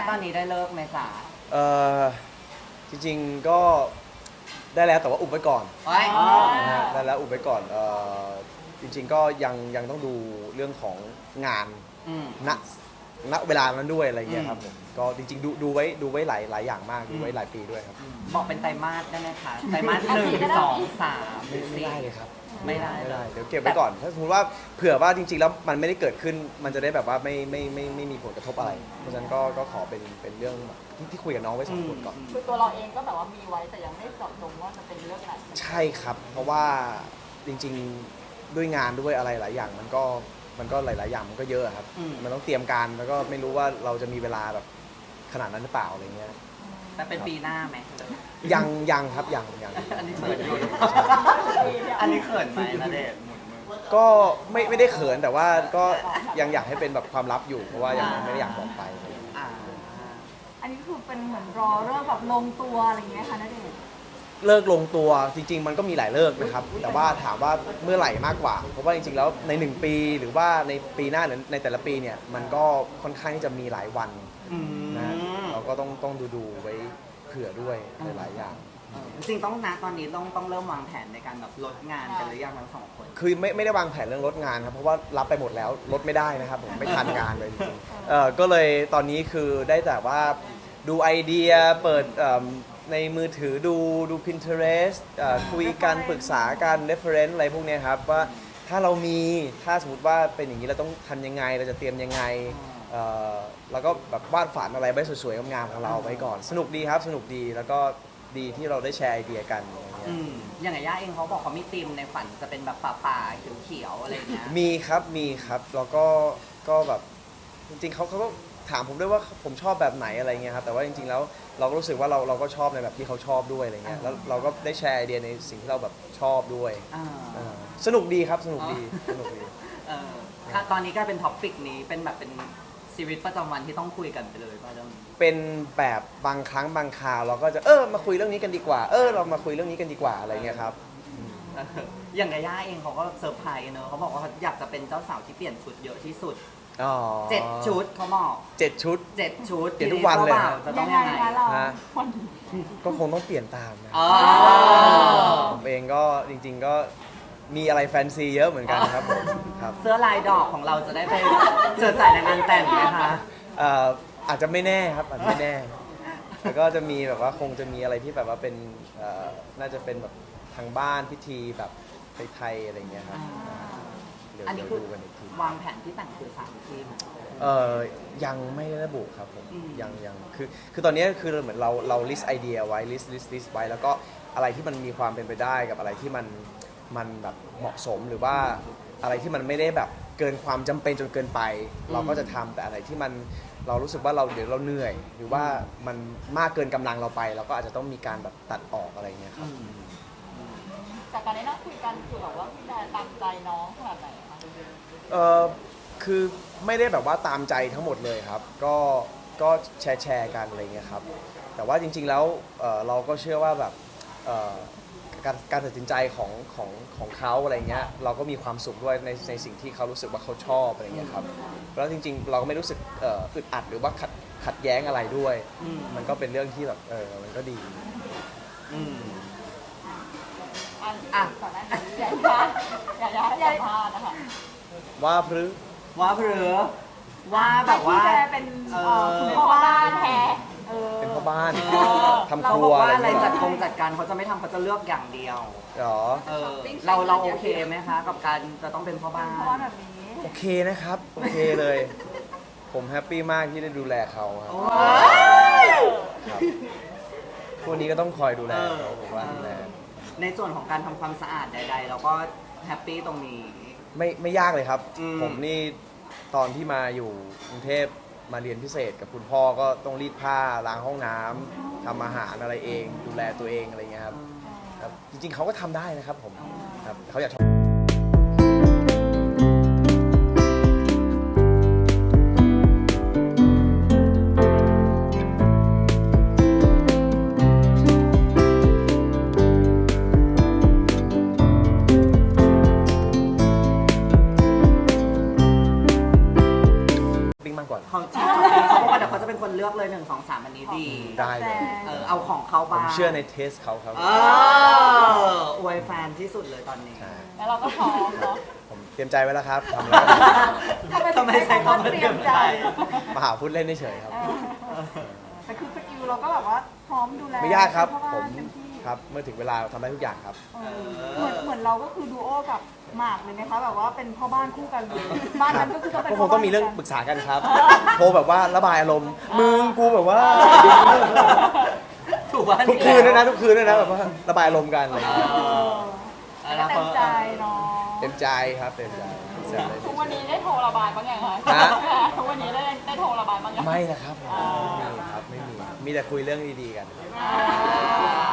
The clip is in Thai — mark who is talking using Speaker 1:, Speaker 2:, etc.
Speaker 1: ตอนนี้ได้เลิกไหมจ๊ะ
Speaker 2: เออจริงๆก็ได้แล้วแต่ว่าอุบไว้ก่อน
Speaker 1: โอ้ย
Speaker 2: นะฮะได้แล้วอุบไว้ก่อนจริงๆก็ยังต้องดูเรื่องของงาน
Speaker 1: อืม
Speaker 2: ณเวลานั้นด้วยอะไรเงี้ยครับ
Speaker 1: อื
Speaker 2: ผม มก็จริงๆดูไว้หลายอย่างมากดูไว้หลายปีด้วยครับ
Speaker 1: บอกเป็นไตรมาสได้ไหมคะไตรมาส1 2 3
Speaker 2: ไม่ได้เลยครับ
Speaker 1: ไม่ได้
Speaker 2: เดี๋ยวเก็บไว้ก่อนถ้าสมมติว่าเผื่อว่าจริงๆแล้วมันไม่ได้เกิดขึ้นมันจะได้แบบว่าไม่มีผลกระทบอะไร เพราะฉะนั้นก็ขอเป็นเรื่องที่คุยกับน้องไว้สองคนก่อน
Speaker 3: คือตัวเราเองก็แบบว่ามีไว้แต่ยังไม่เจาะจงว่าจะเป็นเรื่องไหน
Speaker 2: ใช่ครับ เพราะว่าจริงๆด้วยงานด้วยอะไรหลายอย่างมันก็หลายๆอย่างมันก็เยอะครับ มันต้องเตรียมการแล้วก็ไม่รู้ว่าเราจะมีเวลาแบบขนาดนั้นหรือเปล่าอะไรเงี้ย
Speaker 1: แต่เป็นปีหน้าไหม
Speaker 2: ยังครับยัง
Speaker 1: อันนี้เขินอยู่อันนี้เขินไหมนะเดชน์
Speaker 2: ก็ไม่ได้เขินแต่ว่าก็ยังอยากให้เป็นแบบความลับอยู่เพราะว่ายังไม่ได้อยากบอกไป
Speaker 1: อ่า
Speaker 3: อันนี้คือเป็นเหมือนรอเรื่องแบบลงตัวอะไรอย่างเงี้ยค่ะณเดชน์
Speaker 2: เลิกลงตัวจริง ๆ มันก็มีหลายเลิกนะครับ แต่ว่าถามว่าเมื่อไหร่มากกว่า เพราะว่าจริงๆแล้วใน1ปีหรือว่าในปีหน้าหรือในแต่ละปีเนี่ยมันก็ค่อนข้างที่จะมีหลายวัน
Speaker 1: อืม
Speaker 2: นะเราก็ต้องดูไว้เผื่อด้วยหลายๆอย่าง
Speaker 1: จริงๆต้องนะตอนนี้ต้องเริ่มวางแผนในการแบบลดงานกันหรือยังทั้งสองคน
Speaker 2: คือไม่ได้วางแผนเรื่องลดงานครับเพราะว่ารับไปหมดแล้วลดไม่ได้นะครับผมไม่ทันงานเลยจริงๆก็เลยตอนนี้คือได้แต่ว่าดูไอเดียเปิดในมือถือดู Pinterest คุยกันปรึกษากัน reference อะไรพวกเนี้ยครับว่าถ้าเรามีถ้าสมมติว่าเป็นอย่างนี้เราต้องทำยังไงเราจะเตรียมยังไงแล้วก็แบบวาดฝันอะไรไว้สวยๆงามๆของเราไว้ก่อนสนุกดีครับสนุกดีแล้วก็ดีที่เราได้แชร์ไอเดียกันอย่างเงี้ย
Speaker 1: อย่างไงย่าเองเขาบอกเขามีธีมในฝันจะเป็นแบบป่าๆเขียวๆอะไรอย่างเงี้ย
Speaker 2: มีครับแล้วก็แบบจริงๆเขาก็ถามผมด้วยว่าผมชอบแบบไหนอะไรเงี้ยครับแต่ว่าจริงๆแล้วเราก็รู้สึกว่าเราก็ชอบในแบบที่เขาชอบด้วยอะไรเงี้ยแล้วเราก็ได้แชร์ไอเดียในสิ่งที่เราแบบชอบด้วย
Speaker 1: อ่า
Speaker 2: สนุกดีครับสนุกดีสนุกดี
Speaker 1: เออค่ะตอนนี้ก็เป็นท็อปปิกนี้เป็นแบบเป็นชีวิตประจำวันที่ต้องคุยกันไปเลยป่ะเรื่องนี้
Speaker 2: เป็นแบบบางครั้งบางคราวเราก็จะมาคุยเรื่องนี้กันดีกว่าเรามาคุยเรื่องนี้กันดีกว่าอะไรเงี้ยครับ
Speaker 1: อย่างไงย่าเองเขาก็เซอร์ไพรส์เนอะเขาบอกว่าเขาอยากจะเป็นเจ้าสาวที่เปลี่ยนชุดเยอะที่สุด
Speaker 2: อ๋อ
Speaker 1: 7 ชุดเขาบอก
Speaker 2: 7 ชุด
Speaker 1: 7 ชุด
Speaker 2: เปลี่ยนทุกวันเลย
Speaker 1: จ้าบ่าจะต้องยังไง
Speaker 3: คะเรา
Speaker 2: ฮะ
Speaker 3: คน
Speaker 2: ก็คงต้องเปลี่ยนตามนะ
Speaker 1: อ๋อ
Speaker 2: ผมเองก็จริงๆก็มีอะไรแฟนซีเยอะเหมือนกันครับผมครับ
Speaker 1: เสื้อลายดอกของเราจะได้ไปเชิดใส่ในงานแต่งไหมคะ
Speaker 2: อาจจะไม่แน่ครับอาจจะไม่แน่แล้วก็จะมีแบบว่าคงจะมีอะไรที่แบบว่าเป็นน่าจะเป็นแบบทางบ้านพิธีแบบไทยๆอะไรเงี้ยครับเดี๋ยว
Speaker 1: อันนี้
Speaker 2: เดี๋ยว
Speaker 1: คือ
Speaker 2: ดูกันอีกที
Speaker 1: วางแผนที่แต่งคือ3 ที่ไหม
Speaker 2: ยังไม่ได้ระบุครับผม
Speaker 1: อืม
Speaker 2: ยังคือตอนนี้คือเหมือนเรา list ไอเดียไว้ list ไว้แล้วก็อะไรที่มันมีความเป็นไปได้กับอะไรที่มันแบบเหมาะสมหรือว่าอะไรที่มันไม่ได้แบบเกินความจำเป็นจนเกินไป เราก็จะทำแต่อะไรที่มันเรารู้สึกว่าเดี๋ยวเราเหนื่อย หรือว่ามันมากเกินกำลังเราไป เราก็อาจจะต้องมีการแบบตัดออกอะไรเงี้ยครับ
Speaker 3: จากการได้นั่งคุยกันคือแบบว่าพี่แดนตามใจน้องขนาดไหนคะ
Speaker 2: คือไม่ได้แบบว่าตามใจทั้งหมดเลยครับ ก็แชร์กันอะไรเงี้ยครับ แต่ว่าจริงๆแล้วเราก็เชื่อว่าแบบการตัดสินใจของเขาอะไรเงี้ยเราก็มีความสุขด้วยในสิ่งที่เขารู้สึกว่าเขาชอบอะไรเงี้ยครับแล้วจริงๆ เราก็ไม่รู้สึกอึดอัดหรือว่าขัดแย้งอะไรด้วย มันก็เป็นเรื่องที่แบบมันก็ดี
Speaker 1: อืม
Speaker 3: อ่ะก่อนหน้านี้อย่าพลาดนะคะ
Speaker 2: ว่าพรือ
Speaker 1: ว่าเผือว่าแบบว่า
Speaker 3: พี่แดนเป็นคุณพ่อบ้านแท้
Speaker 2: เป็นพ่อบ้าน
Speaker 1: เออ
Speaker 2: ทำค
Speaker 1: เรา
Speaker 2: รั
Speaker 1: บอ
Speaker 2: ว
Speaker 1: กว่า
Speaker 2: อะไร
Speaker 1: อะไร
Speaker 2: เงี้ย
Speaker 1: จัดการเขาจะไม่ทำเขาจะเลือกอย่างเดียว
Speaker 2: หรอ
Speaker 1: เราโอเคไหมคะ กับการจะต้องเป็นพ่อบ้าน
Speaker 3: เพราะว่าแบบนี้
Speaker 2: โอเคนะครับ โอเคเลย ผมแฮปปี้มากที่ได้ดูแลเขาครับ
Speaker 1: โอ้
Speaker 2: ครับพวกนี้ก็ต้องคอยดูแลเขาผมว่าดูแล
Speaker 1: ในส่วนของการทำความสะอาดใดๆเราก็แฮปปี้ตรงนี้
Speaker 2: ไม่ยากเลยครับ
Speaker 1: อืม
Speaker 2: ผมนี่ตอนที่มาอยู่กรุงเทพมาเรียนพิเศษกับคุณพ่อก็ต้องรีดผ้าล้างห้องน้ำทำอาหารอะไรเอง ดูแลตัวเองอะไรเงี้ยครับครับ จริงๆเขาก็ทำได้นะครับผมครับเขาอยากปิ้งมากกว่า
Speaker 1: เขาบอกว่าเดี๋ยวยวเขาจะเป็นคนเลือกเลย1 2 3อันนี้ดี
Speaker 2: ได้เลย
Speaker 1: เอาของเขา
Speaker 2: ผ
Speaker 1: บ้าง
Speaker 2: มเชื่อในเทสเขาครับ
Speaker 1: อวยแฟนที่สุดเลยตอนนี้
Speaker 2: ใช่
Speaker 3: แล้วเราก็พร้อมเนาะ
Speaker 2: ผมเตรียมใจไว้แล้วครับทำแล้ว
Speaker 1: ทำไมใช้คำว่าเตรียมใจ
Speaker 2: มาหาพูดเล่นเฉยๆครับ
Speaker 3: แต่คือสกิลเราก็แบบว่าพร้อมดูแล
Speaker 2: ไม่ยากครับ
Speaker 3: พ่อ
Speaker 2: ผม
Speaker 3: นเต็มที่
Speaker 2: ครับเมื่อถึงเวลาทำได้ทุกอย่างครับ
Speaker 3: เหมือนเราก็คือดูโอกับหมากเลยไหมคะแบบว่าเป็นพ่อบ้านคู่กันเลยบ้านนั้นก็คือต้องเป็น
Speaker 2: ก็ค
Speaker 3: พ่
Speaker 2: ง
Speaker 3: บ้าน
Speaker 2: ต้องมีเรื่องปรึกษากันครับ โทรแบบว่าระบายอารมณ์มึงกูแบบว่า
Speaker 1: ถูกว่า
Speaker 2: ทุกคืนด้วยนะทุกคืนด้วยนะแบบว่าระบายอารมณ์กันอะไรอย่างเงี้ย
Speaker 3: แล้วก็เต็มใจเนาะ
Speaker 2: เต็มใจครับเต็มใจเสร็จเลย
Speaker 3: ทุกวันนี้ได้โทรระบายบ้างยังคะ
Speaker 2: ฮะ
Speaker 3: ทุกวันนี้ได้โทรระบายบ้างยัง
Speaker 2: ไม่นะครับผมไม่มีครับไม่มีมีแต่คุยเรื่องดีๆกัน
Speaker 3: อ่า